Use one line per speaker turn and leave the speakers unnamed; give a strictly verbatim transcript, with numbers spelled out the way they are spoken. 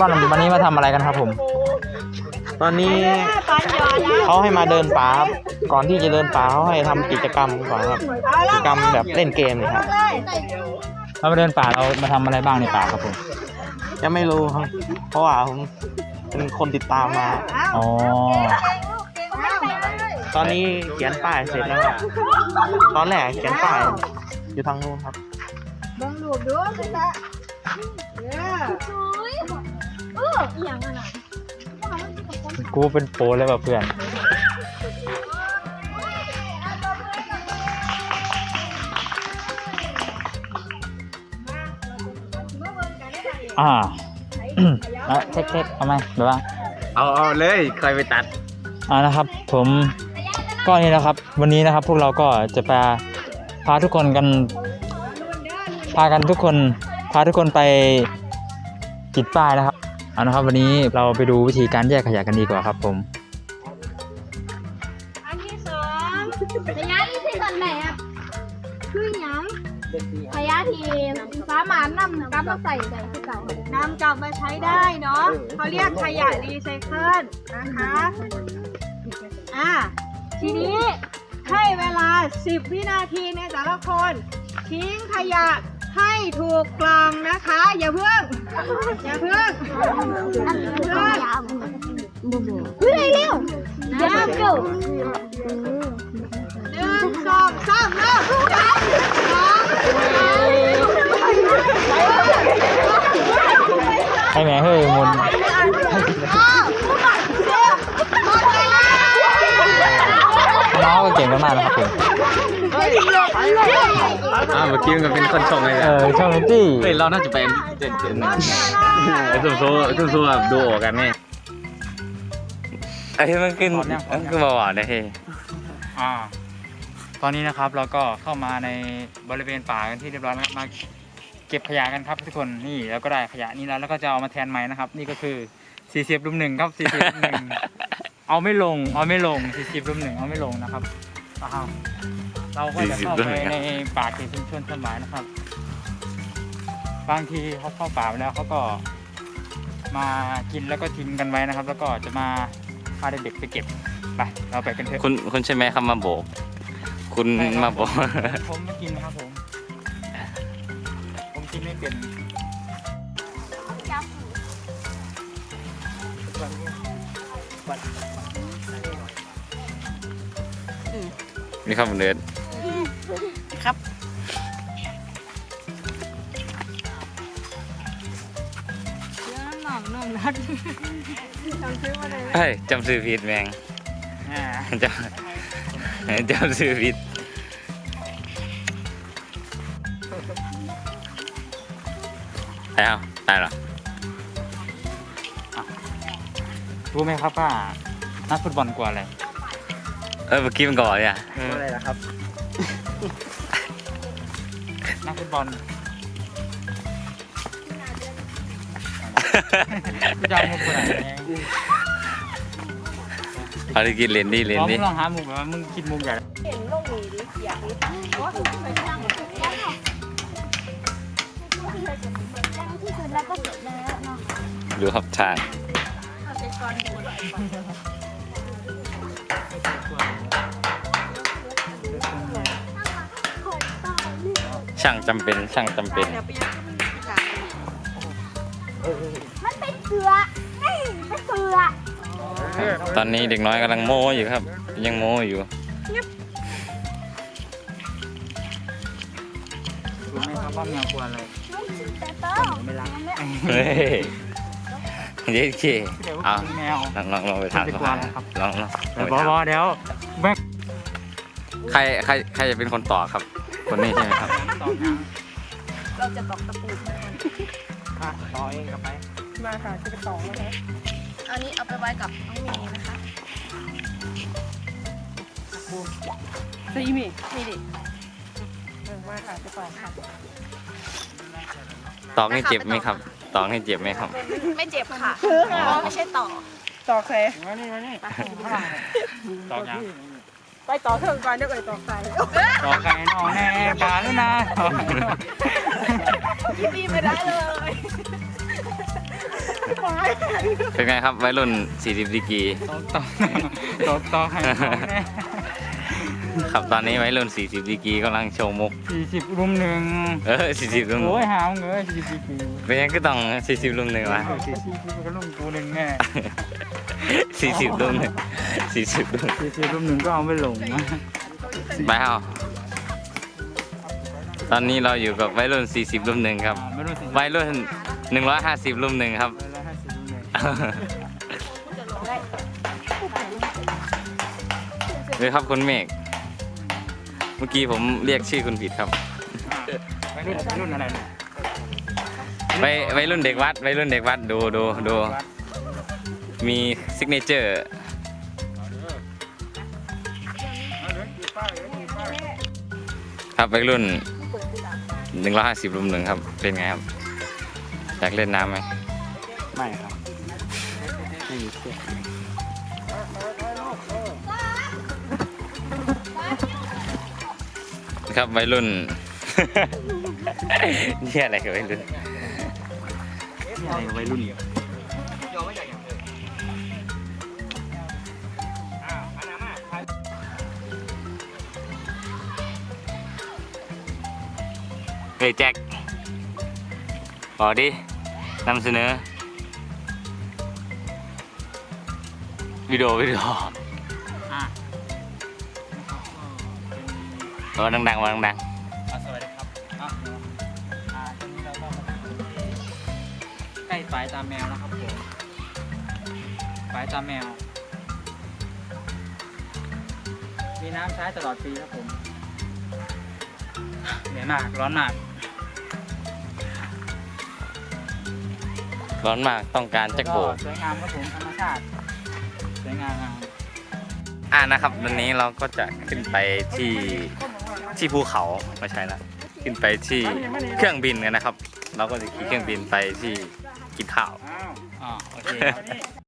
วันวันนี้มาทำอะไรกันครับผมตอนนี้เขาให้มาเดินป่าครับก่อนที่จะเดินป่าเขาให้ทำกิจกรรมก่อนครับกิจกรรมแบบเล่นเกมนี่ครับเรามาเดินป่าเรามาทำอะไรบ้างในป่าครับผมยังไม่รู้ครับเพราะว่าผมเป็นคนติดตามมาอ๋อตอนนี้เขียนป้ายเสร็จแล้วครับตอนแรกเขียนป้ายอยู่ทางนู้นครับบังหลูบดูสิคะกูเป็นโปรเลยแบบเพื่อนอ่าแล้วเช็คๆเอาไหมหรือว่า
เอาเอาเลยใครไปตัด
อ่านะครับผมก็นี่นะครับ วันนี้นะครับพวกเราก็จะพาพาทุกคนกันพากันทุกคนพาทุกคนไปติดป้ายนะครับเอานะครับวันนี้เราไปดูวิธีการแยกขยะกันดีกว่าครับผม
อันที่สองขยะที่ที่ตอนไหนครับคือหยังขยะที่สามารถนำกลับมาใส่ได้ที่เก่านำกลับมาใช้ได้เนาะเขาเรียกขยะรีไซเคิลนะคะอ่าทีนี้ให้เวลาสิบวินาทีในแต่ละคนทิ้งขยะให้ถูกกล่องนะคะอย่าเพิ่งอย่าเพิ่งอย่าเพิ่งเฮ้ยเร็วอย่าเพิ่งเร็วหนึ่งสองสามเริ่มสอง
ให้แม่เฮ้ยมุนน้องก็เก่งมากๆนะครับผม
อ่าเมื่อกี้มันเป็นคนชงเลย
เออชงจี้
เฮ้ยเราน่าจะเป็นเจ๋งเจ๋งไอ้ซุ่มโซ่ซุ่มโซ่แบบดูออกกันนี่ไอ้มันขึ้นมันคือเบาหวานเลย
อ่าตอนนี้นะครับเราก็เข้ามาในบริเวณป่ากันที่เรียบร้อยแล้วมาเก็บขยะกันครับทุกคนนี่แล้วก็ได้ขยะนี้แล้วแล้วก็จะเอามาแทนใหม่นะครับนี่ก็คือสี่สิบรุ่มหนึ่งครับสี่สิบรุ่มหนึ่งเอาไม่ลงเอาไม่ลงสี่สิบรุ่มหนึ่งเอาไม่ลงนะครับเราก็จะเข้าไปในป่าเขตชุมชนสมัยนะครับบางทีเขาเข้าป่าไปแล้วเขาก็มากินแล้วก็ทิ้งกันไว้นะครับ แล้วก็จะมาพาเด็กๆไปเก็บไปเราไปกันเถอะ
คุณคุณใช่ไหมครับมาโบกคุณมาโบก
ผมไม่กินครับผมผมกินไม่เป็น
นี่ครับเนื้อ
ครับเรื่องหนองนมนัดจำชื่อมาเลย
เฮ้ยจำชื่อผิดแมงจำจำชื่อผิดแล้วตายหรอ
รู้ไหมครับว่านักฟุตบอลกว่าอะไร
เออเมื่อกี้มันก่อนเนี่ย
อะไรล่ะครับนักฟุตบอลจะเอามุกอะไร
เอาไปกินเลนดี้เลนดี้
ลองหามุกแบบว่ามึงคิดมุกใหญ่เห็นลงมือดิเสียดิ
ดูครับทางช่างจำเป็นช่างจำเป็น
มันเป็นเสือเป็นเสือ
ตอนนี้เด็กน้อยกำลังโม้อยู่ครับยังโม้อยู่
รู้ไหมครับว่าแมวกลัวอะไรไม่รัก
เฮ้ยเด็กขี้เอา
แมว
ลองลองลองไปถามเขาลองลอง
เดี๋ยวบอเดี๋ยว
ใครใครใครจะเป็นคนต่อครับคนนี้ใช่ไหมครับ
เราจะตอกตะปู
ค่ะต่อเองกับไป
มาค่ะจะไปต่อแล้วนะอันนี้เอาไปไว้กับน้องเมย์นะคะซีมีมีดิมาค่ะจะต่อค่ะ
ตอกให้เจ็บไหมครับตอกให้เจ็บไหมครับ
ไม่เจ็บค่ะเพราะไม่ใช่ต่อต่อใคร
มานี่มานี่ต่อยัง
ไปต่อเถอะก่อนเดี๋ยวไปต่อใคร
ต่อใครน้องแน่ปลาแล้วนะ
ยี่ปีไม่ได้เลย
เป็นไงครับวัยรุ่นสี่สิบดีกรี
ตอกตอกตอกตอกให้เขาแน่
ครับตอนนี้วัยรุ่นสี่สิบดีกรีกำลังโชว์มุก
สี่สิบรุมหนึ่ง
เออสี่สิบรุ่ม
โอ้ยหามเงยสี่สิบปี
เป็นยังก็ต้องสี่สิบรุ่มหนึ่งวะ
สี่สิบปีก็รุ่มกูหนึ่งแน่
สี่สิบรุ่มหนึ่งสี่สิบรุ่ม
สี่สิบรุมหนึ่งก็เอาไม่ลงนะ
ไปเอาตอนนี้เราอยู่กับวัยรุ่นสี่สิบรุ่มหนึ่งครับ
ไม่รู้สี่สิบ
วัยรุ่นหนึ่งร้อยห้าสิบรุ่มหนึ่งครับ
แล้วห้าสิบรุมหนึ่ง
เลยครับคุณเมฆเมื่อกี้ผมเรียกชื่อคุณผิดครับ
ไม่รุ่นรุ่นอะไรเนี่ย
วัยวัยรุ่นเด็กวัดวัยรุ่นเด็กวัดดูดูดูมีซิกเนเจอร์ครับวัยรุ่นหนึ่งร้อยห้าสิบรุ่มหนึ่งครับเป็นไงครับอยากเล่นน้ำไหม
ไม่ครับไม่มีเสื้อ
ครับวัยรุ่น นี่อะไรกับวัยรุ่น
อะไรวัยรุ่น
เฮ้ยแจ็คบอกดินำเสนอวิดีโอวิดีโอ
อ่ะ
เออดังๆมาดัง
อ่ะสวัสดีครับอ่ะอ่าตอนนี้เราก็มาถึงใกล้ฝายตาแมวนะครับผมฝายตาแมว มีน้ำใช้ตลอดปีครับผมเหนื่อยมากร้อนมาก
ๆร้อนมากต้องการแจ็คโบ
สวยงามครับผมธรรมชาติสวยงาม
อ่านะครับวันนี้เราก็จะขึ้นไปที่ที่ภูเขาไม่ใช่ละขึ้นไปที่เครื่องบินกันนะครับ เราก็จะขี่เครื่องบินไปที่กินข้าว
อ๋อโอเคครับ